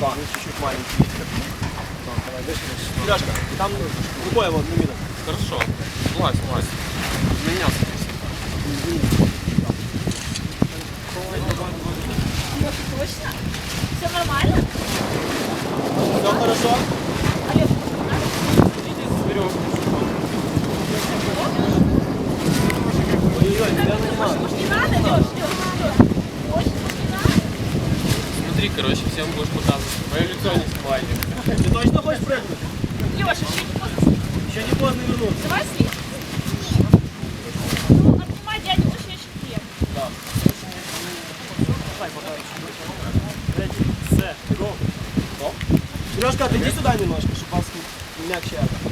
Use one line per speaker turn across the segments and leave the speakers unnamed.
Опа, чуть-чуть маленький. Сережка, там рукой вот на виду.
Хорошо. Влазь. Меня
Точно? Все нормально?
Все хорошо? Ой-ой-ой, тебя нанимают.
Может, не надо, Леш? Может, не надо?
Смотри, короче, всем будешь показывать. Мое лицо не снимай.
Ты точно хочешь прыгнуть?
Леша, еще не поздно.
Еще не поздно вернуться.
Давай слить. Ну, обнимай дядю очень крепко.
Да. Давай, пока. Ready, set, go. Go. Сережка, отойди сюда немножко, чтобы вас мягче это.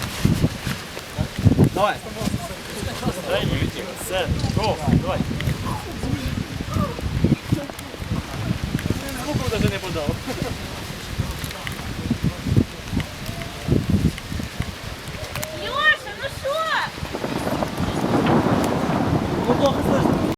Давай. Ready, set, go. Давай. Звуку даже не подал.